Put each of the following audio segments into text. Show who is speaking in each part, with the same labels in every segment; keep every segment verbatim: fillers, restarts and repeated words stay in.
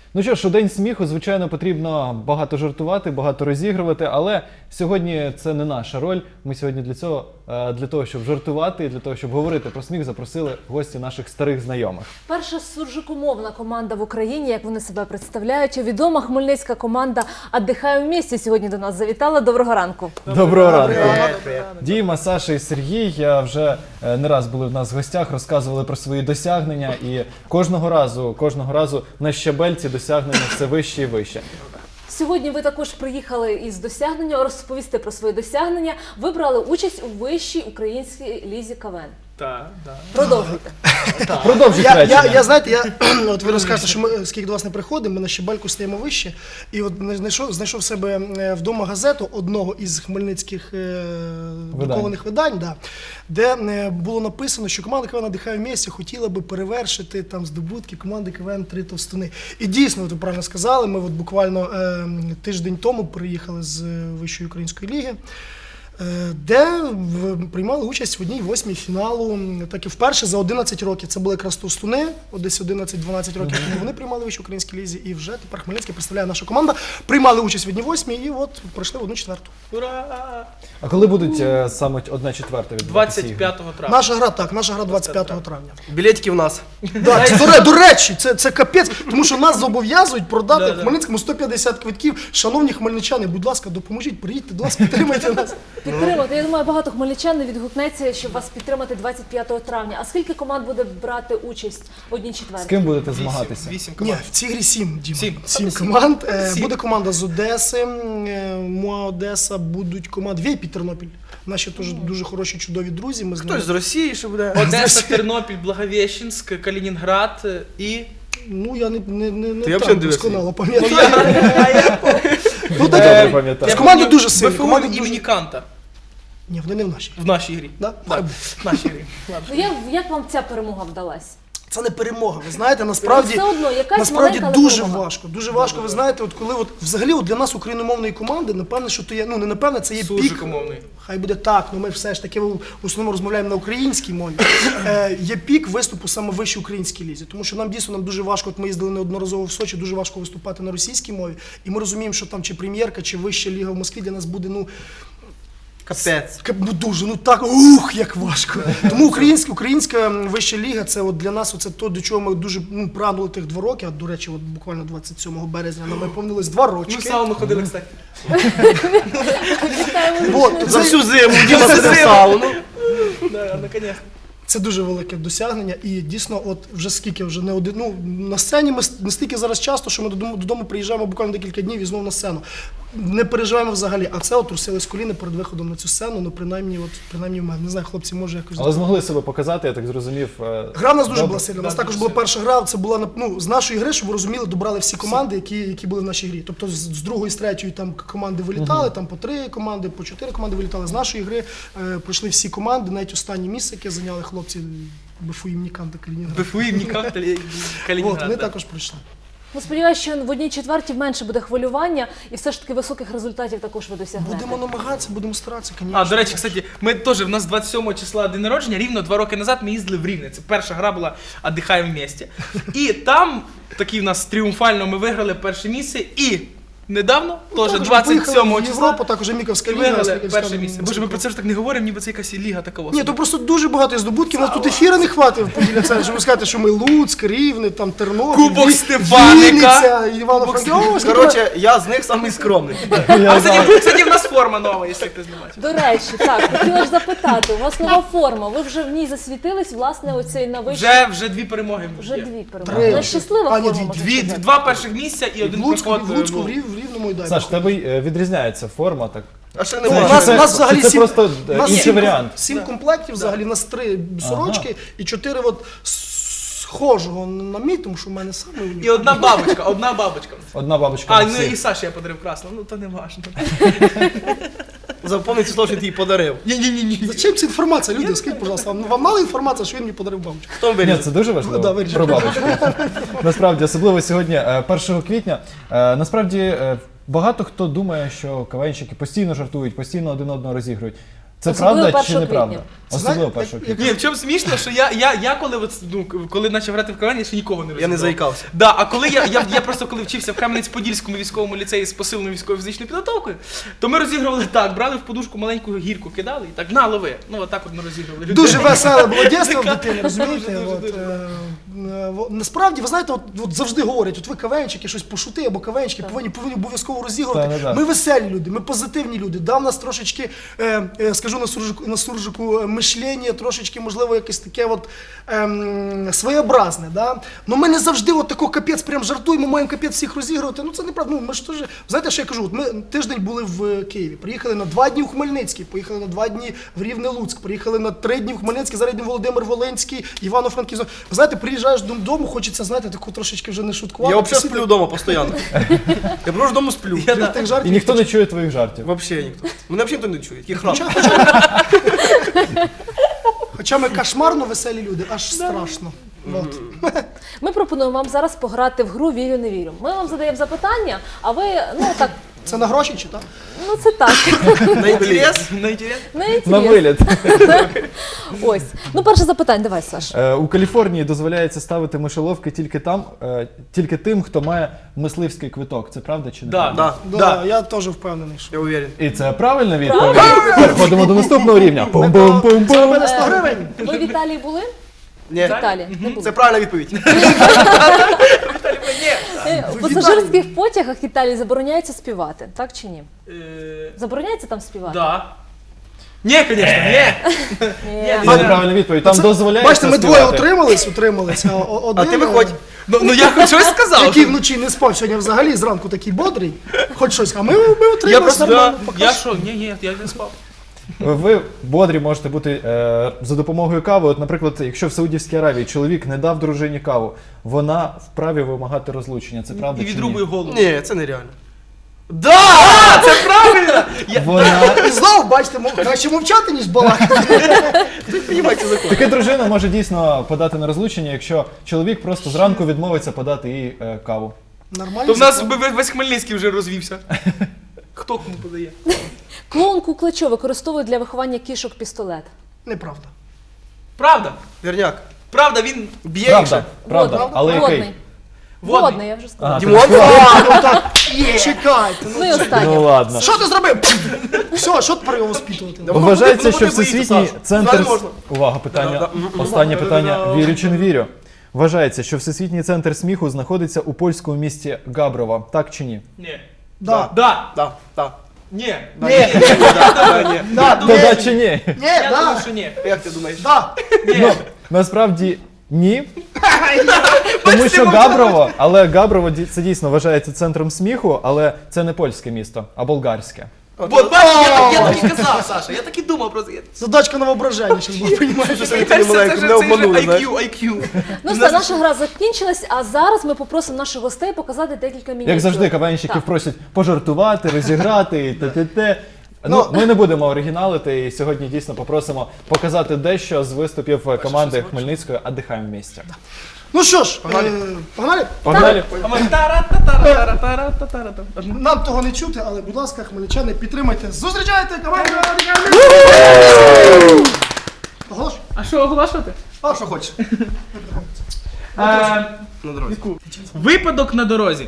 Speaker 1: Ну що ж, у День сміху, звичайно, потрібно багато жартувати, багато розігрувати, але сьогодні це не наша роль. Ми сьогодні для цього, для того, щоб жартувати і для того, щоб говорити про сміх, запросили гості наших старих знайомих.
Speaker 2: Перша суржикомовна команда в Україні, як вони себе представляють. Відома хмельницька команда «Отдихаємо вместе» сьогодні до нас завітала. Доброго ранку.
Speaker 1: Доброго ранку. Діма, Саша і Сергій вже не раз були в нас в гостях, розказували про свої досягнення і кожного разу, кожного разу на щабельці досягнення все вище і вище.
Speaker 2: Сьогодні ви також приїхали із досягнення, розповісти про свої досягнення. Ви брали участь у вищій українській лізі КВН.
Speaker 3: Так, так.
Speaker 2: Продовжуйте.
Speaker 1: Продовжуйте
Speaker 4: Я,
Speaker 1: речення.
Speaker 4: я, я, знаєте, я, от ви розкажете, що ми, скільки до вас не приходимо, ми на щебельку стаємо вище. І от знайшов, знайшов себе вдома газету одного із хмельницьких е, друкованих видань, да, де е, було написано, що команда КВН «Отдихаємо вместе» хотіла би перевершити там здобутки команди КВН «Три товстуни». І дійсно, от ви правильно сказали, ми от буквально е, тиждень тому приїхали з Вищої української ліги, де приймали участь в одній восьмій фіналу, так і вперше за одинадцять років. Це були якраз товстуни, десь одинадцять-дванадцять років тому вони приймали в Вищій українській лізі, і вже тепер Хмельницький представляє наша команда. Приймали участь в одній восьмій і от пройшли в одну четверту.
Speaker 3: Ура!
Speaker 1: А коли будуть е, саме одна четверта відбуватися ігри?
Speaker 3: двадцять п'ятого травня.
Speaker 4: Наша гра, так, наша гра двадцять п'ятого травня.
Speaker 5: Білетики в нас.
Speaker 4: Да, це, до, до речі, це, це капець, тому що нас зобов'язують продати
Speaker 3: Да,
Speaker 4: в
Speaker 3: да.
Speaker 4: Хмельницькому сто п'ятдесят квитків. Шановні хмельничани, будь ласка, допоможіть, приїдьте до нас, підтримайте нас.
Speaker 2: Підтримати. Я думаю, багато хмельничан не відгукнеться, щоб вас підтримати двадцять п'ятого травня. А скільки команд буде брати участь в одній
Speaker 1: З
Speaker 2: четвертій?
Speaker 1: ким будете
Speaker 3: Вісім,
Speaker 1: змагатися?
Speaker 3: вісім
Speaker 4: Ні,
Speaker 3: команд.
Speaker 4: в цій грі сім, Діма.
Speaker 3: Сім.
Speaker 4: Сім
Speaker 3: Сім.
Speaker 4: команд. Е,
Speaker 3: Сім.
Speaker 4: Буде команда з Одеси, е, МОА Одеса, будуть команди Вейпі Тернопіль. Наші теж дуже хороші, чудові друзі. Ми з ними-
Speaker 5: Хтось з Росії, що буде.
Speaker 3: Одеса, Тернопіль, Благовещенськ, Калінінград і...
Speaker 4: Ну, я не, не, не, не
Speaker 5: Ти взагалі
Speaker 4: так
Speaker 5: не дивишся?
Speaker 4: досконало пам'ятаю. Ну,
Speaker 1: Е,
Speaker 4: таке.
Speaker 1: пам'ятаю.
Speaker 4: З команди дуже сильні.
Speaker 3: БФУ
Speaker 4: Команди
Speaker 3: імені
Speaker 4: дуже...
Speaker 3: Канта.
Speaker 4: Ні, вони не в нашій.
Speaker 3: В нашій грі.
Speaker 4: Да?
Speaker 3: Так, в нашій грі.
Speaker 2: Ну, як, як вам ця перемога вдалась?
Speaker 4: Це не перемога. Ви знаєте, насправді,
Speaker 2: Все одно, якась
Speaker 4: насправді
Speaker 2: маленька, але
Speaker 4: дуже
Speaker 2: перемога.
Speaker 4: важко. Дуже важко, ви знаєте, от коли от взагалі от для нас україномовної команди, напевне, що то є, ну не напевне, це є пік.
Speaker 3: Суржикомовний.
Speaker 4: Хай буде так, ну ми все ж таки в основному розмовляємо на українській мові. Е, є пік виступу саме в вищій українській лізі, тому що нам дійсно нам дуже важко. От ми їздили неодноразово в Сочі, дуже важко виступати на російській мові, і ми розуміємо, що там чи прем'єрка, чи вища ліга в Москві для нас буде ну.
Speaker 5: Капець.
Speaker 4: Ка- Ну дуже, ну так, ух, як важко. Тому українська, українська вища ліга, це от для нас оце то, до чого ми дуже ну, прагнули тих два роки. А до речі, от буквально двадцять сьомого березня нам виповнилось два
Speaker 3: Ми в
Speaker 4: рочки.
Speaker 3: сауну ходили, кстати.
Speaker 4: От,
Speaker 5: За
Speaker 4: це,
Speaker 5: всю зиму Діма
Speaker 3: За
Speaker 5: сидив в
Speaker 3: зиму.
Speaker 5: сауну.
Speaker 3: Да, наконец.
Speaker 4: це дуже велике досягнення. І дійсно, от вже скільки вже не один. Ну на сцені ми настільки зараз часто, що ми додому, додому приїжджаємо буквально декілька днів і знову на сцену. Не переживаємо взагалі. А це от трусились коліни перед виходом на цю сцену. Ну принаймні, от принаймні в мене. Не знаю, хлопці, може якось.
Speaker 1: Але змогли себе показати, я так зрозумів. е,
Speaker 4: Гра в нас дуже
Speaker 1: добре.
Speaker 4: була сильна. У нас
Speaker 3: Да,
Speaker 4: також
Speaker 3: дуже
Speaker 4: була
Speaker 3: сильна.
Speaker 4: перша гра. Це була ну, з нашої гри, щоб ви розуміли, добрали всі команди, які, які були в нашій грі. Тобто з, з другої, з третьої там команди вилітали, там по три команди, по чотири команди вилітали. З нашої гри е, пройшли всі команди, навіть останнє місце, яке зайняли хлопці БФУ імені Канта Калінінград.
Speaker 3: БФУ імені Канта,
Speaker 4: От,
Speaker 3: Калінінград.
Speaker 4: вони
Speaker 3: да.
Speaker 4: також пройшли.
Speaker 2: Ну, сподіваюся, що в одній четвертій менше буде хвилювання і все ж таки високих результатів також ви досягнете.
Speaker 4: Будемо намагатися, будемо старатися, звісно.
Speaker 3: А, до речі, кстати, ми теж, в нас двадцять сьомого числа день народження, рівно два роки назад ми їздили в Рівне. Це перша гра була «Отдихаємо вместе». І там, такий в нас тріумфально, ми виграли перше місце і недавно, теж
Speaker 4: Також
Speaker 3: двадцять сьомого
Speaker 4: в
Speaker 3: числа,
Speaker 4: Європу, також Міковська
Speaker 3: і
Speaker 4: ліга.
Speaker 3: виграли
Speaker 4: Сміхівська
Speaker 3: перше місце. Боже, ми про це ж так не говоримо, ніби це якась ліга така.
Speaker 4: Ні, то просто дуже багато здобутків. У нас тут ефіра не хватить в поділі це, щоб ви сказати, що ми Луцьк, Рівне, там Тернопіль,
Speaker 3: Кубок
Speaker 4: Ві-
Speaker 3: Стефаника.
Speaker 4: Вінниця, Івано-Франківська.
Speaker 5: Коротше, я з них самий скромний.
Speaker 3: А, кстати, кстати, в нас форма нова, якщо хтось не бачив.
Speaker 2: До речі, так, хотіла ж запитати, у вас нова форма, ви вже в ній засвітились, власне, оцей на вищій...
Speaker 3: Вже, вже дві перемоги.
Speaker 2: Вже
Speaker 3: є.
Speaker 2: дві
Speaker 4: Три.
Speaker 2: перемоги. Вона щаслива
Speaker 4: А, ні,
Speaker 2: форма,
Speaker 4: дві,
Speaker 2: можна
Speaker 3: Дві,
Speaker 2: сказати.
Speaker 3: два перших місця і
Speaker 4: В
Speaker 3: один
Speaker 4: Луцьку,
Speaker 3: проход.
Speaker 4: в Луцьку,
Speaker 3: ну,
Speaker 4: в Рів- в Рівному і далі.
Speaker 1: Саш, в тебе е, відрізняється форма, так?
Speaker 5: А ще
Speaker 1: Це-
Speaker 5: немає.
Speaker 4: У нас,
Speaker 1: це-
Speaker 4: у нас взагалі
Speaker 1: це
Speaker 4: сім,
Speaker 1: просто, е,
Speaker 4: у нас
Speaker 1: інший
Speaker 4: сім,
Speaker 1: варіант.
Speaker 4: сім комплектів, взагалі, у нас три сорочки і чотири от схожого на мій, тому що в мене саме
Speaker 3: І
Speaker 4: унікальний.
Speaker 3: одна бабочка, одна бабочка.
Speaker 1: Одна бабочка
Speaker 3: А,
Speaker 1: на
Speaker 3: ну
Speaker 1: всіх.
Speaker 3: і Саші я подарив красну, ну то не важно.
Speaker 5: Запомни ці слова, що ти їй подарив.
Speaker 3: Ні-ні-ні.
Speaker 4: Зачем ця інформація, люди? Скажіть, будь ласка, вам, вам мала інформація, що він мені подарив бабочку?
Speaker 5: Хто
Speaker 1: Ні,
Speaker 5: вирішив?
Speaker 1: це дуже важливо.
Speaker 4: Ну, да, вирішив.
Speaker 1: Про бабочку. Насправді, особливо сьогодні, е, першого квітня. Е, Насправді, е, багато хто думає, що КВНщики постійно жартують, постійно один одного розігрують. Це
Speaker 2: Особливо
Speaker 1: правда чи
Speaker 2: першого
Speaker 1: неправда?
Speaker 2: квітня.
Speaker 1: Особливо
Speaker 4: Знаєте,
Speaker 1: першого
Speaker 4: як-
Speaker 1: квітня.
Speaker 3: Ні, в чому смішно, що я, я, я коли, от, ну, коли почав грати в Кавені, я ще нікого не розумів.
Speaker 5: Я не заїкався.
Speaker 3: Да, а коли я, я, я просто коли вчився в Кам'янець-Подільському військовому ліцеї з посиленою військовою фізичною підготовкою, то ми розігрували так, брали в подушку маленьку гірку, кидали і так, на, лови. Ну, отак от ми розігрували людей.
Speaker 4: Дуже веселе було дійство в дитині, розумієте?
Speaker 3: Дуже, дуже,
Speaker 4: От,
Speaker 3: дуже.
Speaker 4: е, е, во- Насправді, ви знаєте, от, от завжди говорять, от ви кавенчики, щось пошути або кавенчики, повинні, повинні обов'язково розігрувати.
Speaker 1: Так, так, так.
Speaker 4: Ми веселі люди, ми позитивні люди. Да, в нас трошечки, е, е, скажу на суржику, на суржику е, мишлення, трошечки, можливо, якесь таке от, ем, своєобразне. Да? Ну ми не завжди от тако капець прям жартуємо, маємо капець всіх розігрувати. Ну це неправда. Ну, ми ж теж, знаєте, що я кажу? От ми тиждень були в Києві, приїхали на два дні у Хмельницький, поїхали на два дні в Рівне-Луцьк, приїхали на три дні в Хмельницький, зараз йдемо Володимир Волинський, Івано-Франківськ. Ви знаєте, приїжджаєш додому, хочеться, знаєте, таку трошечки вже не шуткувати.
Speaker 5: Я взагалі
Speaker 4: посидіти.
Speaker 5: сплю вдома постійно. Я просто вдома сплю.
Speaker 3: Я,
Speaker 4: Від
Speaker 3: да.
Speaker 4: тих
Speaker 1: І
Speaker 4: жартів
Speaker 1: ніхто не чує твоїх жартів.
Speaker 5: Вообще ніхто. Мене взагалі ніхто не чує. Який храм.
Speaker 4: Хоча, хоча, хоча ми кошмарно веселі люди, аж страшно. От.
Speaker 2: Ми пропонуємо вам зараз пограти в гру «Вірю, не вірю». Ми вам задаємо запитання, а ви, ну так,
Speaker 4: Це на гроші чи так?
Speaker 2: ну це так,
Speaker 5: На інтерес?
Speaker 3: На інтерес?
Speaker 2: не
Speaker 1: На
Speaker 2: інтересно.
Speaker 1: виліт.
Speaker 2: Ось. Ну, перше запитання, давай, Саш.
Speaker 1: Е, У Каліфорнії дозволяється ставити мишоловки тільки там, е, тільки тим, хто має мисливський квиток. Це правда чи не?
Speaker 3: Да.
Speaker 1: правда?
Speaker 5: Да.
Speaker 4: Да, я теж впевнений, що.
Speaker 5: Я уверен.
Speaker 1: І це правильна відповідь. Переходимо до наступного рівня.
Speaker 4: Це
Speaker 1: Пум-пум-пум-пум.
Speaker 4: мене сто гривень.
Speaker 2: Ви в Італії були?
Speaker 5: Ні.
Speaker 2: В Італії не були.
Speaker 5: Це правильна відповідь.
Speaker 2: Е, В пасажирських потягах Італії забороняється співати, так чи ні?
Speaker 3: Е,
Speaker 2: Забороняється там співати?
Speaker 3: Да. Ні, звісно, ні.
Speaker 2: Ні.
Speaker 1: Це неправильна відповідь. Там
Speaker 4: Це-
Speaker 1: дозволяється
Speaker 4: Бачите, ми двоє
Speaker 1: співати.
Speaker 4: утримались, утримались, а о- один,
Speaker 5: А ти виходь.
Speaker 3: Ну, ну я хоч щось сказав.
Speaker 4: який вночі не спав, сьогодні взагалі зранку такий бодрий, хоч щось, а ми, ми утримались
Speaker 3: Я просто,
Speaker 4: нормально.
Speaker 3: да, я що, ні, ні, я не спав.
Speaker 1: Ви бодрі можете бути е, за допомогою кави. От, наприклад, якщо в Саудівській Аравії чоловік не дав дружині каву, вона вправі вимагати розлучення. Це правда
Speaker 3: І
Speaker 1: чи
Speaker 3: відрубую
Speaker 1: ні?
Speaker 3: голову.
Speaker 5: Ні, це нереально.
Speaker 3: Да! Це правильно! Я...
Speaker 1: Вона
Speaker 4: І знову, бачите, мов- краще мовчати, ніж балакати.
Speaker 5: Ви розумієте закон.
Speaker 1: така дружина може дійсно подати на розлучення, якщо чоловік просто зранку відмовиться подати їй е, каву.
Speaker 4: Нормально.
Speaker 3: То в нас би весь Хмельницький вже розвівся. Хто кому подає?
Speaker 2: Клоун Куклачо використовує для виховання кішок пістолет.
Speaker 4: Неправда.
Speaker 3: Правда?
Speaker 5: Верняк.
Speaker 3: Правда, він
Speaker 5: Б'є
Speaker 1: Правда,
Speaker 5: їх.
Speaker 1: правда.
Speaker 2: Водний.
Speaker 1: Але
Speaker 2: Водний.
Speaker 1: який?
Speaker 3: Водний.
Speaker 2: Водний, я вже сказала.
Speaker 1: Ага,
Speaker 5: Дімон?
Speaker 4: А, ну так, чекайте.
Speaker 2: Ну і останнє.
Speaker 1: Ну ладно.
Speaker 4: Що ти зробив? Все, що тепер його воспитувати?
Speaker 1: Вважається,
Speaker 5: Ну,
Speaker 1: що
Speaker 5: вони боїться,
Speaker 1: всесвітній
Speaker 5: Саша.
Speaker 1: центр...
Speaker 5: Далі можна.
Speaker 1: Увага, питання.
Speaker 5: Да, да.
Speaker 1: Останнє питання. Вірю чи не вірю? Вважається, що всесвітній центр сміху знаходиться у польському місті Габрово. Так чи ні?
Speaker 3: Ні.
Speaker 4: Да.
Speaker 3: Да.
Speaker 5: Так, так.
Speaker 3: Ні.
Speaker 4: Ні, да,
Speaker 1: То да чи ні?
Speaker 4: ні,
Speaker 3: Я думаю,
Speaker 4: да,
Speaker 3: що ні.
Speaker 5: Як ти думаєш?
Speaker 4: да.
Speaker 1: Ну, насправді ні. Тому
Speaker 3: Бачите,
Speaker 1: що
Speaker 3: мовчала.
Speaker 1: Габрово, але Габрово ді- це дійсно вважається центром сміху, але це не польське місто, а болгарське.
Speaker 3: От, бачиш, я, я так і казав, Саша, я так і думав про це.
Speaker 4: Задачка на воображення, зараз було, розумієш?
Speaker 5: Це
Speaker 3: Мені
Speaker 5: ти
Speaker 3: кажеться,
Speaker 5: маленьку
Speaker 3: це
Speaker 5: не
Speaker 3: ж це ж
Speaker 5: обманули, знаєш.
Speaker 3: ай к'ю, ай к'ю.
Speaker 2: Ну все, наша гра закінчилась, а зараз ми попросимо наших гостей показати декілька мініатюр.
Speaker 1: Як завжди, кавенщиків
Speaker 2: Так.
Speaker 1: просять пожартувати, розіграти і т-т-т. Ну, ми не будемо оригіналити і сьогодні дійсно попросимо показати дещо з виступів команди Хмельницької «Отдихаємо вместе».
Speaker 4: Ну що ж, е, погнали?
Speaker 1: Погнали?
Speaker 3: А ми тара-та-тара-тара-тара-тара-тара.
Speaker 4: Нам того не чути, але, будь ласка, хмельничани, підтримайте. Зустрічайте команду! Оголош?
Speaker 3: А що оголошувати?
Speaker 4: А що хочеш?
Speaker 3: Е,
Speaker 5: На дорозі.
Speaker 3: Випадок на дорозі.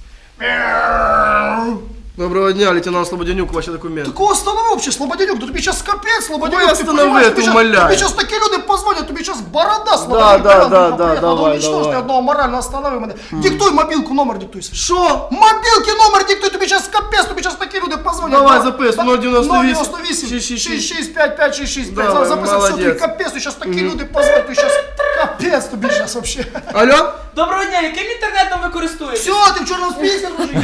Speaker 5: Доброго дня, лейтенант Слободянюк, ваші документи.
Speaker 4: Такого останови взагалі, Слободянюк, то тобі зараз капець, Слободянюк,
Speaker 5: Ой,
Speaker 4: ти
Speaker 5: останови,
Speaker 4: понимаєш,
Speaker 5: ти
Speaker 4: тобі щас-
Speaker 5: умоляю.
Speaker 4: тобі зараз такі люди позвонять, тобі зараз борода, Слободянюк,
Speaker 5: да,
Speaker 4: прив'язана,
Speaker 5: да,
Speaker 4: приїхала,
Speaker 5: да,
Speaker 4: надо
Speaker 5: давай,
Speaker 4: уничтожити
Speaker 5: давай.
Speaker 4: одного морально, останови мене. Диктуй мобілку, номер диктуй. Що? Мобілки, номер диктуй, тобі зараз капець, тобі зараз такі люди позвонять.
Speaker 5: Давай,
Speaker 4: Да.
Speaker 5: записуй,
Speaker 4: Так,
Speaker 5: нуль дев'яносто вісім,
Speaker 4: нуль дев'яносто вісім,
Speaker 5: шість шість шість.
Speaker 4: шість шість п'ять п'ять шість шість п'ять.
Speaker 5: Давай,
Speaker 4: Зараз записуй, все, тобі
Speaker 5: молодець.
Speaker 4: капець, тобі зараз такі люди позвонять, тобі зараз капець тобі зараз вообще.
Speaker 5: Алло?
Speaker 3: Доброго дня, яким інтернетом ви користуєтесь?
Speaker 4: Все, ти в чорному списку, дружище.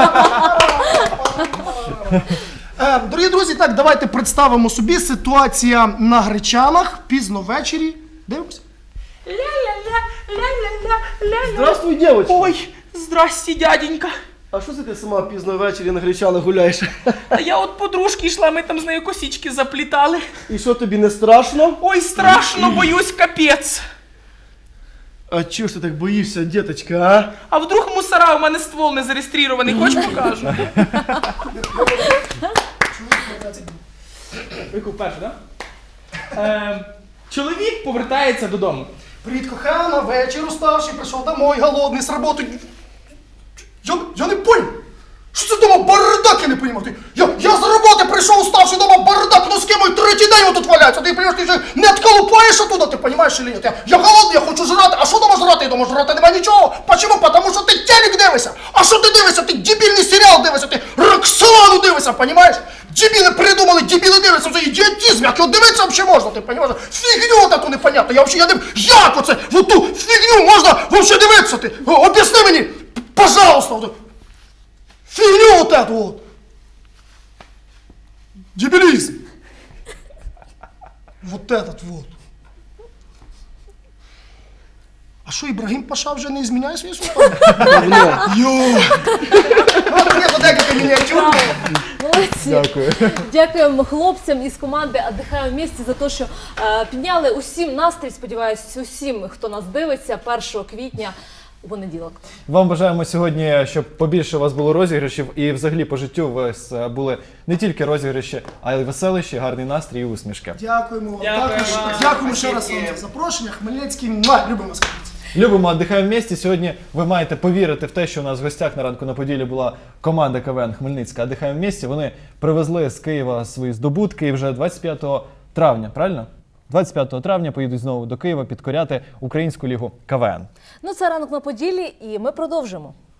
Speaker 4: Е, Дорогі друзі, так, давайте представимо собі ситуація на Гречанах, пізно ввечері. Дивимося.
Speaker 3: Ля-ля-ля-ля-ля-ля.
Speaker 5: Здравствуй, девочка.
Speaker 3: Ой, здрасте, дяденька.
Speaker 5: А що це ти сама пізно ввечері на Гречанах гуляєш?
Speaker 3: Та я от подружки йшла, ми там з нею косички заплітали.
Speaker 5: І що, тобі не страшно?
Speaker 3: Ой, страшно, боюсь, капець.
Speaker 5: А чого ж ти так боїшся, діточка, а?
Speaker 3: А вдруг мусора, у мене ствол не зареєстрований, хоч покажу. Яку першу, так? Е, чоловік повертається додому.
Speaker 4: Привіт, кохана, вечір уставший, прийшов домой, голодний, з роботи. Я, я не понял. Що це дома бардак, я не понимаю. Ти, я, я з роботи прийшов уставший, дома бардак, ну з ким мой третій день тут валяється. Ти, понимаєш, ти вже не отколупаєш оттуда, ти понимаєш чи ні? Я, я голодний, я хочу жрати. А що дома жрати? Я дома жрати нема нічого. Почему? Потому що ти телек дивишся. А що ти дивишся? Ти дебільний серіал дивишся, ти Роксолану дивишся, понимаєш? Дебіли придумали, дебіли дивляться, це ідіотизм, як його дивитися взагалі можна, ти понимаєш? Фігню таку непонятно, я взагалі, я не... Як оце, в ту фігню можна взагалі дивитися, ти? О, об'ясни мені, пожалуйста. Фигню вот эту вот! Дебилизм! Вот этот вот. А що, Ібрагім Паша вже не зміняє свої слова? Йо! Нет, вот декілька мініатюр.
Speaker 2: Молодці.
Speaker 1: Дякую.
Speaker 2: Дякуємо хлопцям із команди «Отдихаємо вместе» за те, що е, підняли усім настрій, сподіваюсь, усім, хто нас дивиться, першого квітня у понеділок.
Speaker 1: Вам бажаємо сьогодні, щоб побільше у вас було розіграшів і взагалі по життю у вас е, були не тільки розіграші, а й веселищі, гарний настрій і усмішки.
Speaker 4: Дякуємо вам.
Speaker 3: Дякую
Speaker 4: Також
Speaker 3: вам.
Speaker 4: дякуємо ще раз вам
Speaker 3: Спасибі.
Speaker 4: за запрошення. Хмельницький, муа, любимо вас.
Speaker 1: Любимо, «Отдихаємо вместе». Сьогодні ви маєте повірити в те, що у нас в гостях на ранку на Поділі була команда КВН Хмельницька «Отдихаємо вместе». Вони привезли з Києва свої здобутки і вже двадцять п'ятого травня, правильно? двадцять п'ятого травня поїдуть знову до Києва підкоряти Українську лігу КВН.
Speaker 2: Ну, це «Ранок на Поділі» і ми продовжимо.